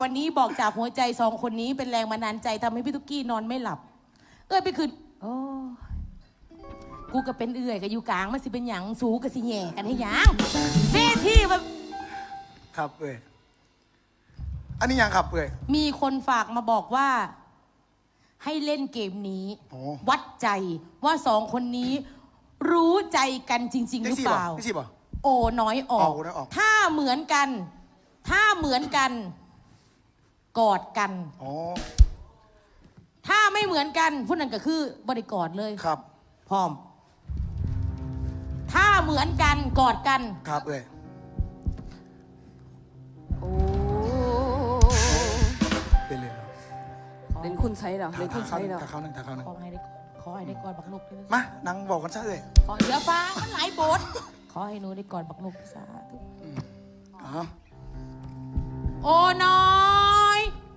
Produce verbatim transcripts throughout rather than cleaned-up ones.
วันนี้บอกจากหัวใจสองคนนี้เป็นแรงบันดาลใจทำให้พี่ตุ๊กกี้นอนไม่หลับเอ้ยไปคืนโอ้กูก็เป็นเอื่อยกับอยู่กลางมันสิเป็นหยังสูกับสิแย่กันให้หยังเวทีแบบครับเอ้ยอันนี้ยังครับเอ้ยมีคนฝากมาบอกว่าให้เล่นเกมนี้วัดใจว่าสองคนนี้รู้ใจกันจริงๆหรือเปล่าโอ้น้อยออกถ้าเหมือนกันถ้าเหมือนกันกอดกันถ้าไม่เหมือนกันพวกนั้นก็คือบริกอดเลยครับพร้อมถ้าเหมือนกันกอดกันครับเอ้ยโอ้เป็นเลยเล่นคุณใช้เหรอเล่นคุณใช้เหรอถ้าเขาหนึ่งถ้าเขาหนึ่งขอให้ได้ขอให้ได้กอดบักนกมานั่งบอกกันซะเลยขอเดี๋ยวฟ้ามันหลายบทขอให้หนูได้กอดบักนกสาธุโอ้น้อย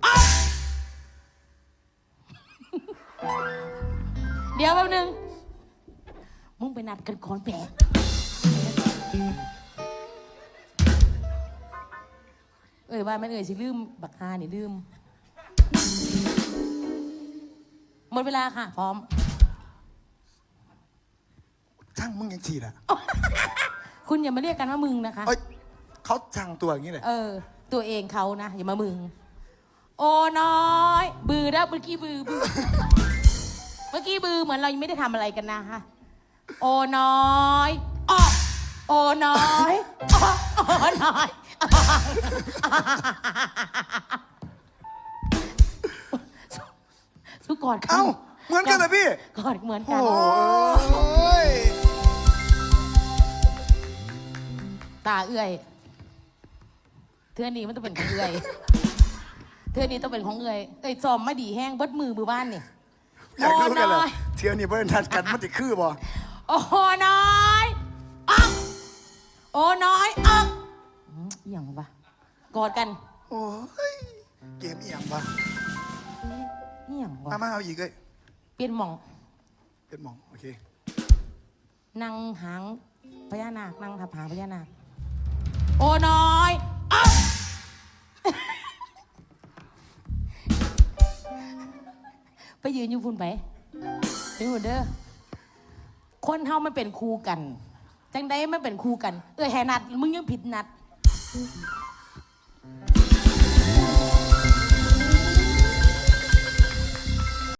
เดี๋ยวแป๊บนึงมึงไปนัดกันก่อนแปะเอ้ยว่ามันเอ่ยสิลืมบักฮานี่ลืมหมดเวลาค่ะพร้อมช่างมึงยังฉีดอ่ะคุณอย่ามาเรียกกันว่ามึงนะคะเอ้ยเขาช่างตัวอย่างนี้เลยเออตัวเองเขานะอย่ามามึงโอ้น้อยบือแล้วเมื่อกี้บือบือเมื่อกี้บือเหมือนเรายังไม่ได้ทำอะไรกันนะคะโอ้น้อยอ้อโอ้น้อยอ้อโอ้น้อยสู้กอดกันเอ้าเหมือนกันเลยพี่กอดเหมือนกันโอ้ยตาเอื่อยเทือนี้มันต้องเป็นของเอื่อยเทือนี้ต้องเป็นของเอื่อยเอ้ยจอมไม่ดีแห้งเบิดมือมือบ้านนี่อยากรู้กันเหรอเที่ยวนี้เพื่อนทัดกันมันติดคือบ่โอ้น้อยอ๊อกโอ้น้อยอ๊อกเอียงปะกอดกันโอ้ยเกมเอียงปะเอียงปะมามาเอาอีกเลยเปลี่ยนหม่องเปลี่ยนหม่องโอเคนั่งหางพญานาคนั่งทับหางพญานาคโอ้น้อยอ๊อกไปยืนอยู่พุ่นไปไปหุ่นเด้อคนเฮามันเป็นคู่กันจังได้มันเป็นคู่กันเอ้ยแหนัดมึงยังผิดนัด